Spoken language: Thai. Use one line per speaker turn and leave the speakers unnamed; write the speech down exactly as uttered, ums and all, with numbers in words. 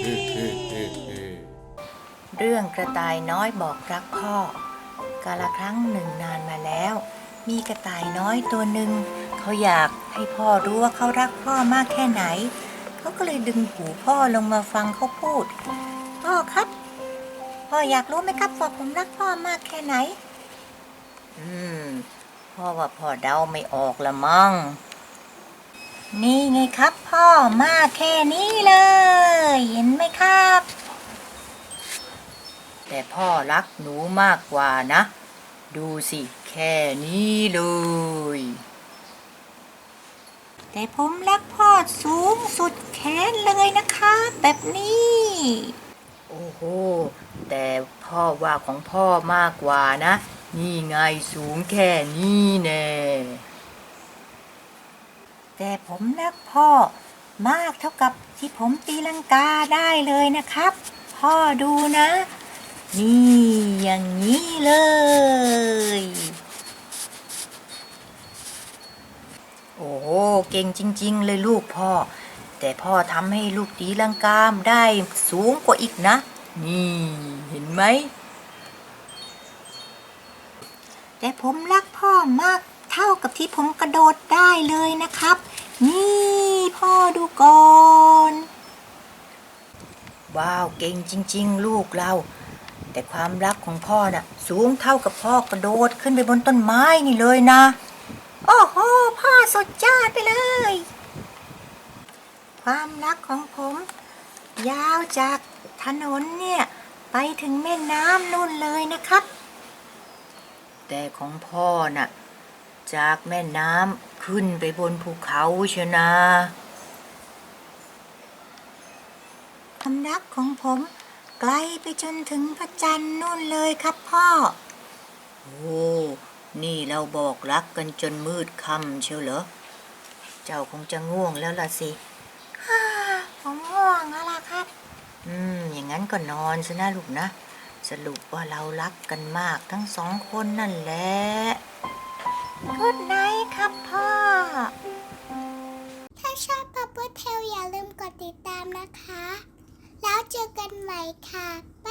เรื่องกระต่ายน้อยบอกรักพ่อกาลครั้งหนึ่งนานมาแล้วมีกระต่ายน้อยตัวหนึ่งเขาอยากให้พ่อรู้ว่าเขารักพ่อมากแค่ไหนเขาก็เลยดึงหูพ่อลงมาฟังเขาพูดพ่อครับพ่ออยากรู้ไหมครับว่าผมรักพ่อมากแค่ไหนอืมพ่อว่าพ่อเดาไม่ออกละมั้งนี่ไงครับพ่อมากแค่นี้เลยเห็นไหมครับแต่พ่อรักหนูมากกว่านะดูสิแค่นี้เลยแต่ผมรักพ่อสูงสุดแขนเลยนะคะแบบนี้โอ้โหแต่พ่อว่าของพ่อมากกว่านะนี่ไงสูงแค่นี้แน่แต่ผมรักพ่อมากเท่ากับที่ผมตีลังกาได้เลยนะครับพ่อดูนะนี่อย่างนี้เลยโอ้โหเก่งจริงๆเลยลูกพ่อแต่พ่อทำให้ลูกตีลังกามได้สูงกว่าอีกนะนี่เห็นไหมแต่ผมรักพ่อมากเท่ากับที่ผมกระโดดได้เลยนะครับนี่พ่อดูก่อนว้าวเก่งจริงๆลูกเราแต่ความรักของพ่อน่ะสูงเท่ากับพ่อกระโดดขึ้นไปบนต้นไม้นี่เลยนะโอ้โหพ่อสุดยอดไปเลยความรักของผมยาวจากถนนเนี่ยไปถึงแม่น้ำนู่นเลยนะครับแต่ของพ่อน่ะจากแม่น้ำขึ้นไปบนภูเขาเชียวนะความรักของผมไกลไปจนถึงพระจันทร์นู่นเลยครับพ่อโอ้นี่เราบอกรักกันจนมืดค่ำเชียวเหรอเจ้าคงจะง่วงแล้วล่ะสิฮ่าผมง่วงแล้วล่ะครับอืมอย่างนั้นก็นอนซะนะลูกนะสรุปว่าเรารักกันมากทั้งสองคนนั่นแหละกุดไนท์ครับพ่อ
ถ้าชอบบับเบิ้ลเทลอย่าลืมกดติดตามนะคะแล้วเจอกันใหม่ค่ะ